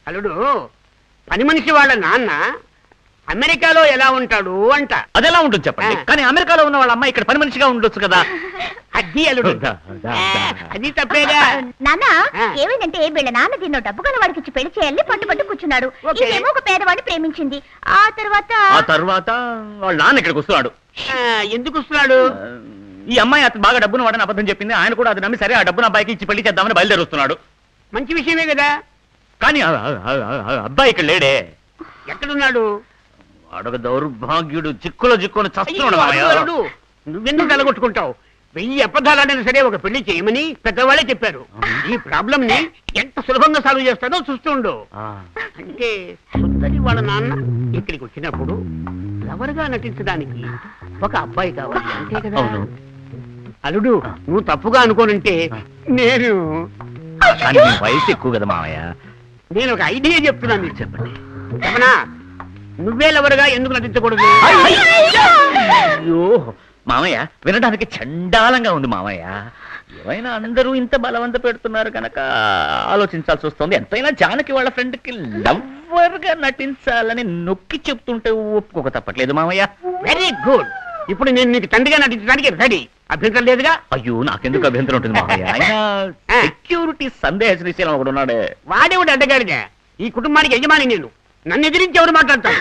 అల్లుడు పని మనిషి వాళ్ళ నాన్న అమెరికాలో ఎలా ఉంటాడు అంట. అదెలా ఉంటుంది చెప్పండి. కానీ అమెరికాలో ఉన్న వాళ్ళ అమ్మాయి ఇక్కడ పని మనిషిగా ఉండొచ్చు కదా. అది అల్లుడు అది తప్పేగా. నాన్న ఏమైందంటే వీళ్ళ నాన్న దీన్నో డబ్బు కొన్న వాడికి ఇచ్చి పెళ్లి చేయాలని పట్టుబట్టు కూర్చున్నాడు. ఏమో ఒక పేదవాడిని ప్రేమించింది. ఆ తర్వాత వాళ్ళ నాన్న ఇక్కడికి వస్తున్నాడు. ఎందుకు వస్తున్నాడు? ఈ అమ్మాయి అతను బాగా డబ్బును వాడని అబద్ధం చెప్పింది. ఆయన కూడా అది నమ్మి సరే ఆ డబ్బును అబ్బాయికి ఇచ్చి పెళ్లి చేద్దామని బయలుదేరుస్తున్నాడు. మంచి విషయమే కదా. కానీ అబ్బాయి ఇక్కడ లేడే. ఎక్కడున్నాడు? అడగ దౌర్భాగ్యుడు చిక్కుని చస్తున్నాడు. నువ్వెందుకు తలగొట్టుకుంటావు? 1000 అబద్ధాలైనా సరే ఒక పెళ్లి చేయమని పెద్దవాళ్ళే చెప్పారు. ఈ ప్రాబ్లం ని ఎంత సులభంగా సాల్వ్ చేస్తాడో చూస్తుండు. అంటే సుందరి వాళ్ళ నాన్న ఇక్కడికి వచ్చినప్పుడు లవర్ గా నటించడానికి ఒక అబ్బాయి కావాలి అంతే కదా. అల్లుడు నువ్వు తప్పుగా అనుకోనంటే నేను వయసు ఎక్కువ కదా మావయ్య. నేను ఒక ఐడియా చెప్తున్నాను. మీరు చెప్పండి. చెప్పనా? నువ్వే లవర్గా ఎందుకు నటించకూడదు? అయ్యో మామయ్య, వినడానికి చండాలంగా ఉంది మామయ్య. ఏమైనా అందరూ ఇంత బలవంత పెడుతున్నారు కనుక ఆలోచించాల్సి వస్తుంది. ఎంతైనా జానకి వాళ్ళ ఫ్రెండ్ కి లవ్వర్ గా నటించాలని నొక్కి చెప్తుంటే ఒప్పుకోక తప్పట్లేదు మామయ్య. Very good. ఇప్పుడు నేను నీకు తండ్రిగా నటించడానికి రెడీ. అభ్యంతరం లేదుగా? అయ్యో నాకెందుకు అభ్యంతరం ఉంటుంది మామయ్య. ఆయన సెక్యూరిటీ సందేహ శ్రీశైలం ఒకడు ఉన్నాడే. వాడేవాడు అడ్డగాడిగా. ఈ కుటుంబానికి యజమాని నేను. నన్ను ఎదిరించి ఎవరు మాట్లాడతాను?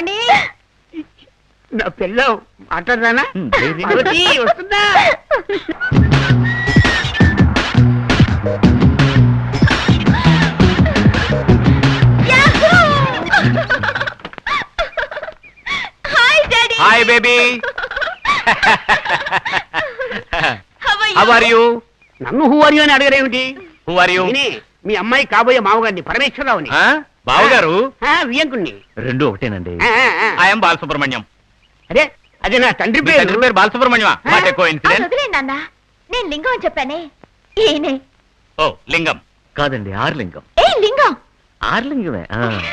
నా పిల్ల మాట్లాడరానా? వస్తుందా? Hi baby. How are you? నన్ను హూ ఆర్ యు అని అడగరేమిటి? Who are you? మీ అమ్మాయి కాబోయే మామగారిని, పరమేశ్వరరావుని. బావగారు? వియంకుణ్ణి. రెండు ఒకటేనండి. ఐఎమ్ బాలసుబ్రహ్మణ్యం. అదే అదే నా తండ్రి పేరు. తండ్రి పేరు బాలసుబ్రహ్మణ్యమా? నేను లింగం అని చెప్పానే. ఈయనే. ఓ లింగం కాదండి, ఆర్లింగం. లింగం ఆర్లింగమే.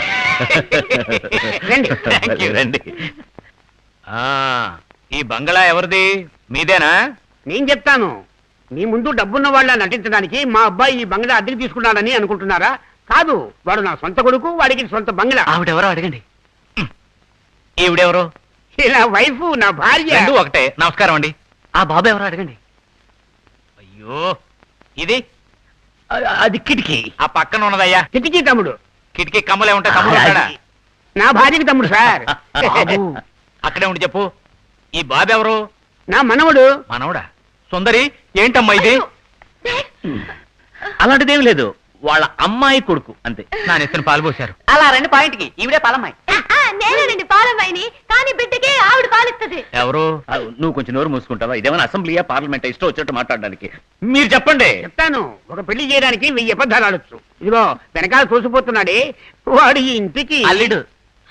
రండి. ఈ బంగళా ఎవరిది? మీదేనా? నేను చెప్తాను. మీ ముందు డబ్బున్న వాళ్ళ నటించడానికి మా అబ్బాయి ఈ బంగళా అద్దెకి తీసుకున్నాడని అనుకుంటున్నారా? కాదు, వాడు నా సొంత కొడుకు. వాడికి సొంత బంగళా. ఆవిడెవరో అడగండి. ఈవిడెవరో? నా వైఫ్, నా భార్య. రెండు ఒకటే. నమస్కారం అండి. ఆ బాబు ఎవరో అడగండి. అయ్యో ఇది అది కిటికీ. ఆ పక్కన ఉన్నదయ్యా కిటికీ తమ్ముడు. కిటికీ కమ్మలే ఉంటాయి. తమ్ముడు నా భార్యకి తమ్ముడు సార్. అక్కడే ఉండి చెప్పు. ఈ బాబు ఎవరు? నా మనవడు. మనవడా? సుందరి ఏంటమ్మా ఇది? అలాంటిదేమి లేదు, వాళ్ళ అమ్మాయి కొడుకు అంతే. నా నెత్తిన పాలు పోశారు. అలా రండి పాయింట్కి. ఈవిడే పాలమ్మాయి. నేనండి పాలమ్మాయిని. కానీ బిడ్డకి ఆవిడ పాలిస్తుంది. ఎవరు? నువ్వు కొంచెం నోరు మూసుకుంటావా? ఇదేమైనా అసెంబ్లీయా, పార్లమెంట్? ఇష్టం వచ్చినట్టు మాట్లాడడానికి. మీరు చెప్పండి. చెప్తాను. ఒక పెళ్లి చేయడానికి 1000 అబద్ధాలు ఆడొచ్చు. ఇదిగో వెనకాల చూసిపోతున్నాడే వాడు ఈ ఇంటికి అల్లుడు.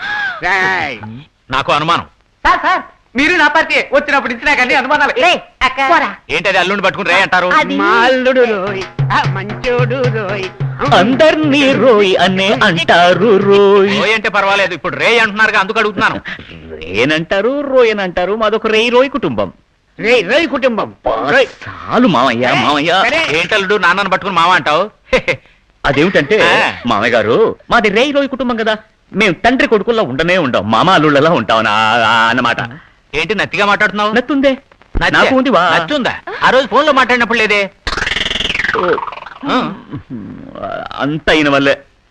నాకు అనుమానం. సార్ సార్ మీరు నా పార్టీ వచ్చినప్పుడు ఇచ్చినా కానీ అనుమానాలు. ఏంటది అల్లుడిని పట్టుకుని రే అంటారు? మా అల్లుడు రోయ్, మంచోడు రోయ్. అందర్నీ రోయ్ అనే అంటారు. రోయ్ అంటే పర్వాలేదు, ఇప్పుడు రే అంటున్నారు అందుకు అడుగుతున్నాను. రేనంటారు, రోయన్ అంటారు. మాదొక రేయ్ రోయ్ కుటుంబం. రేయ్ కుటుంబం. చాలు మామయ్య. మామయ్య ఏంటల్లుడు నాన్నను పట్టుకుని మామ అంటావు? అదేమిటంటే మామయ్య గారు, మాది రేయ్ రోయ్ కుటుంబం కదా. మేము తండ్రి కొడుకుల్లో ఉండనే ఉండం, మామ అల్లుళ్ళలా ఉంటాం అన్నమాట. ఏంటి నత్తిగా మాట్లాడుతున్నావు? నత్తుందే. నాకు ఉంది. నచ్చుందా? ఆ రోజు ఫోన్ లో మాట్లాడినప్పుడు లేదే. అంత అయిన వల్లే.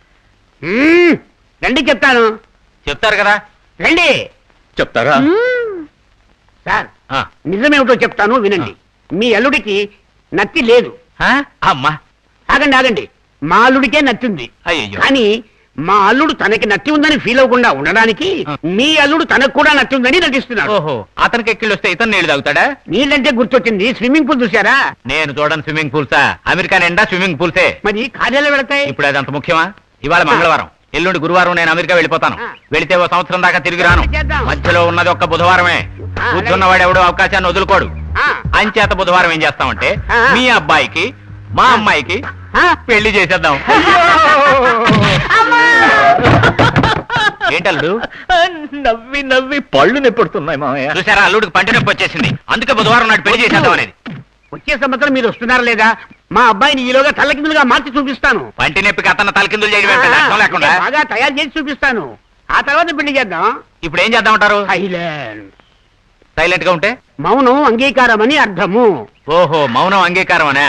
రండి చెప్తాను. చెప్తారు కదా. రండి. చెప్తారా? సార్ నిజమేమిటో చెప్తాను వినండి. మీ అల్లుడికి నత్తి లేదు. అమ్మా ఆగండి. మా అల్లుడికే నత్తుంది. అయ్యో. కానీ మా అల్లుడు తనకి నత్తి ఉందని ఫీల్ అవ్వకుండా ఉండడానికి మీ అల్లుడు తనకు కూడా నత్తి ఉందని నటిస్తున్నాడు. ఓహో, అతనికి ఎక్కిళ్ళు వస్తే ఇతను నీళ్లు తాగుతాడా? నీళ్ళంటే గుర్తొచ్చింది. స్విమ్మింగ్ పూల్ చూసారా? నేను చూడను స్విమ్మింగ్ పూల్సా. అమెరికా నిండా స్విమ్మింగ్ పూల్సే. మరి కార్యాలయం వెళతాయి. ఇప్పుడు అది అంత ముఖ్యమా? ఇవాళ మంగళవారం, ఎల్లుండి గురువారం నేను అమెరికా వెళ్ళిపోతాను. వెళితే ఓ సంవత్సరం దాకా తిరిగి రాను. మధ్యలో ఉన్నది ఒక్క బుధవారమే. కూర్చున్నవాడు ఎవడో అవకాశాన్ని వదులుకోడు. అంచేత బుధవారం ఏం చేస్తామంటే మీ అబ్బాయికి మా అమ్మాయికి పెళ్లి చేసేద్దాం. ఏంటల్లుడు? నవ్వి నవ్వి పళ్ళు నొప్పుడుతున్నాయి మామయ్య. చూసారా, అల్లుడికి పంట నొప్పి వచ్చేసింది. అందుకే బుధవారం నాడు పెళ్లి చేసేద్దాం అనేది. వచ్చే సంవత్సరం మీరు వస్తున్నారా లేదా? మా అబ్బాయిని ఈలోగా తల్లకిందులుగా మార్చి చూపిస్తాను. పంటి నొప్పికి అతను తలకిందులు చేయడం ఏంటి? అర్థం లేకుండా బాగా తయారు చేసి చూపిస్తాను. ఆ తర్వాత పెళ్లి చేద్దాం. ఇప్పుడు ఏం చేద్దామంటారు? సైలెంట్. సైలెంట్ గా ఉంటే మౌనం అంగీకారం అని అర్థము. ఓహో, మౌనం అంగీకారం అనే.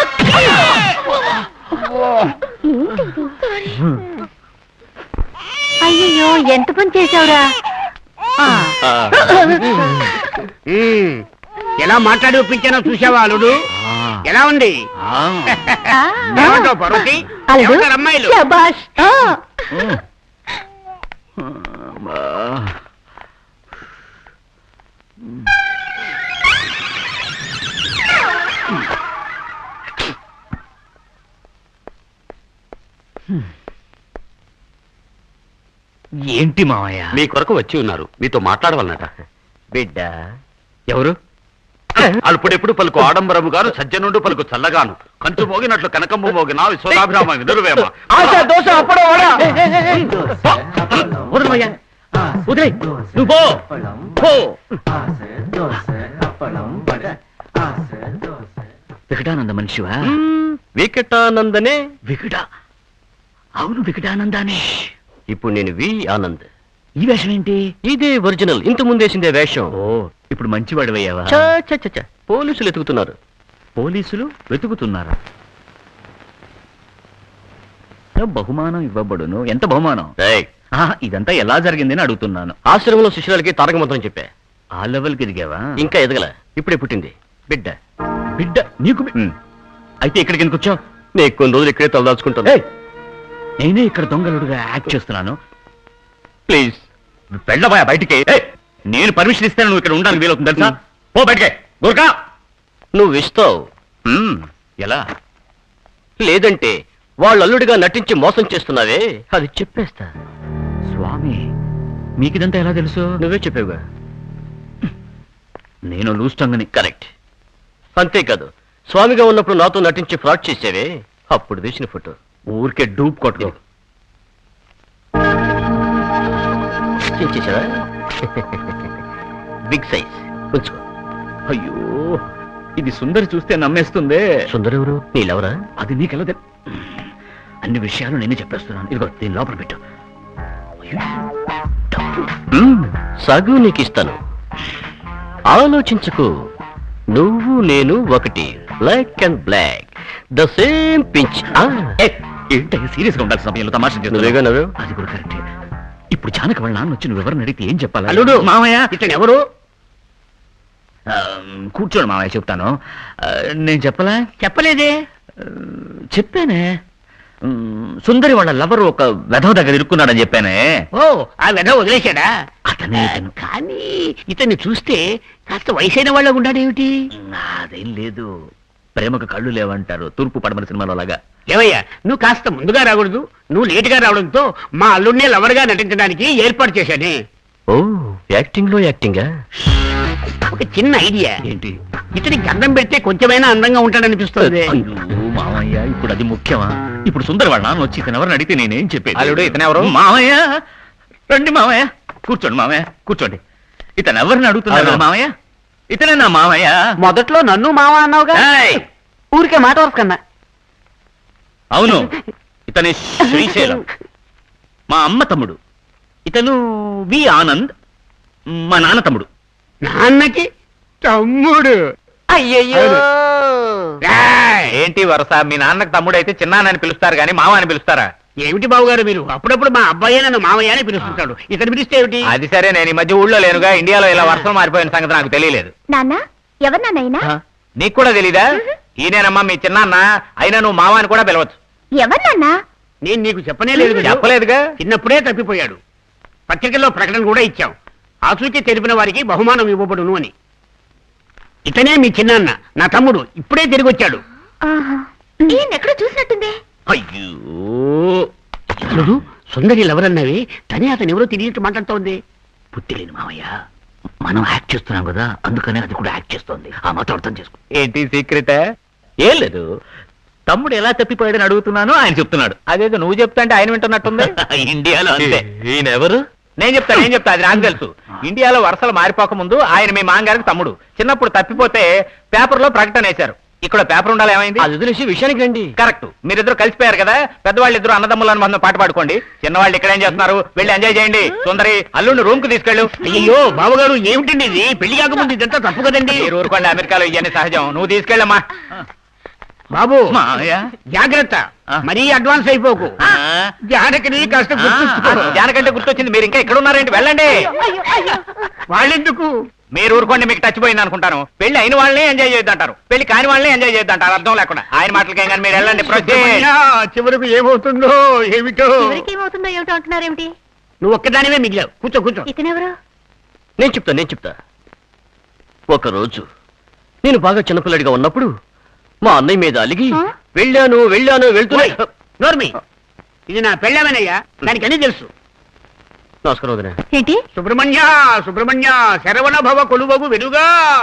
అయ్యో ఎంత పని చేసావురా. ఎలా మాట్లాడి ఒప్పించానో చూసావా అల్లుడు? ఎలా ఉంది? ఏమంటావు పర్వతి? ఏమంటారు అమ్మాయిలు? ఏంటి మావయ్య? మీ కొరకు వచ్చి ఉన్నారు, మీతో మాట్లాడవాలన్నట. బిడ్డ ఎవరు? అల్పుడెప్పుడు పలుకు ఆడంబరము గాను, సజ్జనుండు పలుకు చల్లగాను, కంచు మోగినట్లు కనకమ్ము మోగిన విశ్వనాభిరామ వినురువేమ. వికటానంద మనిషివా? వికటానందనే. వికట అవును, వికటానందానే. ఇప్పుడు నేను వి ఆనంద్. ఈ వేషం ఏంటి? ఇదే ఒరిజినల్, ఇంత ముందేసిందే వేషం. ఓ, ఇప్పుడు మంచివాడివయ్యావా? చ, చ, చ, చ. పోలీసులు ఎతుకుతున్నారు. పోలీసులు వెతుకుతున్నారా? బహుమానం ఇవ్వబడును. ఎంత బహుమానం? ఏయ్, ఇదంతా ఎలా జరిగిందని అడుగుతున్నాను. ఆశ్రమంలో శిష్యులకి తారక మంత్రం చెప్పా. ఆ లెవెల్కి ఎదిగావా? ఇంకా ఎదగల, ఇప్పుడే పుట్టింది బిడ్డ. బిడ్డ నీకు అయితే ఇక్కడికి ఎందుకు వచ్చావు? నేను కొన్ని రోజులు ఇక్కడే తలదాచుకుంటాను. నేనే ఇక్కడ దొంగలుడుగా యాక్ట్ చేస్తున్నాను. ప్లీజ్ వెళ్ళబోయా బయటికి. నేను పర్మిషన్ ఇస్తాను, నువ్వు ఇక్కడ ఉండడానికి వీలవుతుంది తెలుసా? పో బయటికే. గోర్ఖా, నువ్వు ఇస్తావు. ఎలా? లేదంటే వాళ్ళు అల్లుడిగా నటించి మోసం చేస్తున్నావే, అది చెప్పేస్తా. స్వామి, మీకిదంతా ఎలా తెలుసు? నువ్వే చెప్పావుగా. నేను లూస్టంగని. కరెక్ట్. అంతేకాదు, స్వామిగా ఉన్నప్పుడు నాతో నటించి ఫ్రాడ్ చేసేవే, అప్పుడు తీసిన ఫోటో. ఊరికే డూప్ కొట్టుకో. చేసావా? బిగ్ సైజ్ ఉంచుకో. అయ్యో, ఇది సుందరి చూస్తే నమ్మేస్తుందే. సుందరెవరు? నీలెవరా? అది నీకెలా అన్ని విషయాలు నేనే చెప్పేస్తున్నాను. ఇదిగో దీని లోపల పెట్టు. సగు నీకు ఇస్తాను. ఆలోచించుకో. నువ్వు నేను ఒకటి, black and black, the same pinch. ఏంటో సీరియస్ గా ఉండాల్సిన సమయంలో తమాషా నువ్వేగా నవ్వు. అది కూడా కరెక్టే. ఇప్పుడు జానకి వాళ్ళ నాన్న వచ్చి నువ్వు ఎవరిని అడిగితే ఏం చెప్పాలి? అల్లుడు, మామయ్య ఇతను ఎవరు? కూర్చోండి మామయ్య, చెప్తాను. నేను చెప్పలా? చెప్పలేదే. చెప్పానే. సుందరి వాళ్ళ లవర్ ఒక వెధవ దగ్గర ఇరుక్కున్నాడని చెప్పానే. ఓ, ఆ వెధ వదిలేశాడా? అతనే ఇతను. కానీ ఇతన్ని చూస్తే కాస్త వయసైన వాళ్ళ ఉన్నాడేమిటి? అదేం లేదు, ప్రేమకు కళ్ళు లేవంటారు, తూర్పు పడమర సినిమాలో లాగా. ఏవయ్యా, నువ్వు కాస్త ముందుగా రాకూడదు. నువ్వు లేటుగా రావడంతో మా అల్లుడినే లవర్గా నటించడానికి ఏర్పాటు చేశానే. ఓ, యాక్టింగ్ లో యాక్టింగా? ఒక చిన్న ఐడియా. ఏంటి? ఇతనికి గంధం పెడితే కొంచెమైనా అందంగా ఉంటాడనిపిస్తుంది. అయ్యో మామయ్య, ఇప్పుడు అది ముఖ్యమా? ఇప్పుడు సుందరి వాళ్ళ నాన్న వచ్చి ఇతను ఎవరిని అడిగితే నేనేం చెప్పేది? అల్లుడు, ఇతను ఎవరు? మామయ్య, రండి మామయ్య, కూర్చోండి మామయ్య, కూర్చోండి. ఇతను ఎవరిని అడుగుతున్నాడు మామయ్య? ఇతనే నా మామయ్య. మొదట్లో నన్ను మామ అన్నావుగా? ఏయ్! ఊరికే మాట వరకు కన్నా. అవును, ఇతని శ్రీశైలం, మా అమ్మ తమ్ముడు. ఇతను వి ఆనంద్, మా నాన్న తమ్ముడు. నాన్నకి తమ్ముడు? అయ్యయ్యో, రాయ్! ఏంటి వరస? మీ నాన్నకు తమ్ముడు అయితే చిన్నాన్నని పిలుస్తారు గాని మామ అని పిలుస్తారా? ఏమిటి బాబుగారు మీరు? అప్పుడప్పుడు మా అబ్బాయి నన్ను మామయ్య అని పిలుస్తుంటాడు. ఇతను పిలిస్తే ఏమిటి? అది సరే, నేను ఈ మధ్య ఊళ్ళో లేనుగా. ఇండియాలో ఇలా వర్షం మారిపోయిన సంగతి నాకు తెలియలేదు. నాన్న, ఎవరు నాన్నైనా? నీకు కూడా తెలీదా? ఈయనేనమ్మా మీ చిన్నాన్న. అయినా నువ్వు మామ అని కూడా పిలవచ్చు. ఎవరు నాన్నా? నేను నీకు చెప్పనే లేదు కదా. చెప్పలేదుగా. చిన్నప్పుడే తప్పిపోయాడు. పత్రికల్లో ప్రకటన కూడా ఇచ్చాం. ఆచూకీ తెలిపిన వారికి బహుమానం ఇవ్వబడును అని. ఇతనే మీ చిన్నాన్న, నా తమ్ముడు. ఇప్పుడే తిరిగి వచ్చాడు. ఈయన ఎక్కడ చూసినట్టుంది. అయ్యో, చూడు, సుందరి ఎవరన్నవి తనే అతను ఎవరో తిరిగి మాట్లాడుతోంది. పుట్టిలేని మామయ్య, మనం యాక్ట్ చేస్తున్నాం కదా, అందుకనే అది కూడా యాక్ట్ చేస్తోంది. ఆ మాత్రం అర్థం చేసుకో. ఏంటి సీక్రెట్? ఏం లేదు, తమ్ముడు ఎలా తప్పిపోయాడని అడుగుతున్నాను, ఆయన చెప్తున్నాడు. అదేదో నువ్వు చెప్తా అంటే ఆయన వింటున్నట్టుంది. ఇండియాలో అంతే. ఈయన ఎవరు? నేను చెప్తా, అది నాకు తెలుసు. ఇండియాలో వరుసలు మారిపోక ముందు ఆయన మీ మాంగారికి తమ్ముడు. చిన్నప్పుడు తప్పిపోతే పేపర్లో ప్రకటన వేశారు. ఇక్కడ పేపర్ ఉండాలి, ఏమైంది? అది వదిలేసి విషయానికి రండి. కరెక్ట్, మీరిద్దరు కలిసిపోయారు కదా, పెద్దవాళ్ళు ఇద్దరు అన్నదమ్ముల అనుబంధం పాట పాడుకోండి, చిన్నవాళ్ళు ఇక్కడ ఏం చేస్తున్నారు, వెళ్ళి ఎంజాయ్ చేయండి. సుందరి అల్లుడిని రూమ్ కు తీసుకెళ్ళు. అయ్యో బావగారు ఏమిటండి ఇది? పెళ్లి కాకముందు ఇదంతా తప్పు కదండి. మీరు ఊరుకోండి, అమెరికాలో ఇవన్నీ సహజం. నువ్వు తీసుకెళ్ళమ్మా. బాబు మామయ్య జాగ్రత్త, మరీ అడ్వాన్స్ అయిపోకు. జానకిని కాస్త గుర్తుంచుకో. జానకంటే గుర్తొచ్చింది, మీరు ఇంకా ఇక్కడ ఉన్నారేంటి? వెళ్ళండి. వాళ్ళెందుకు? మీరు ఊరుకోండి, మీకు టచ్ పోయింది అనుకుంటాను. పెళ్లి అయిన వాళ్ళని ఎంజాయ్ చేయొద్దంటారు, పెళ్లి కాని వాళ్ళని ఎంజాయ్ చేయొద్దంటారు. అర్థం లేకుండా ఆయన మాటలకేం కానీ మీరు వెళ్ళండి. సుబ్రహ్మణ్య, చివరకు ఏమవుతుందో ఏమిటో. ఏమవుతుందో ఏమిటో అంటున్నారేమిటి? నువ్వు ఒక్కదానివే మిగిలావు. కూర్చో కూర్చో. ఇతనెవరు? నేను చెప్తా. ఒకరోజు నేను బాగా చిన్నపిల్లడిగా ఉన్నప్పుడు మా అన్నయ్య మీద అలిగి ఆ? వెళ్ళాను వెళ్తున్నా. ఓయ్, నోర్మి, ఇది నా పెళ్ళామేనయ్యా, దానికి అన్ని తెలుసు. నమస్కారం వదినా. ఏంటి? సుబ్రహ్మణ్య శరవణ భవ కొలువగు వెలుగా.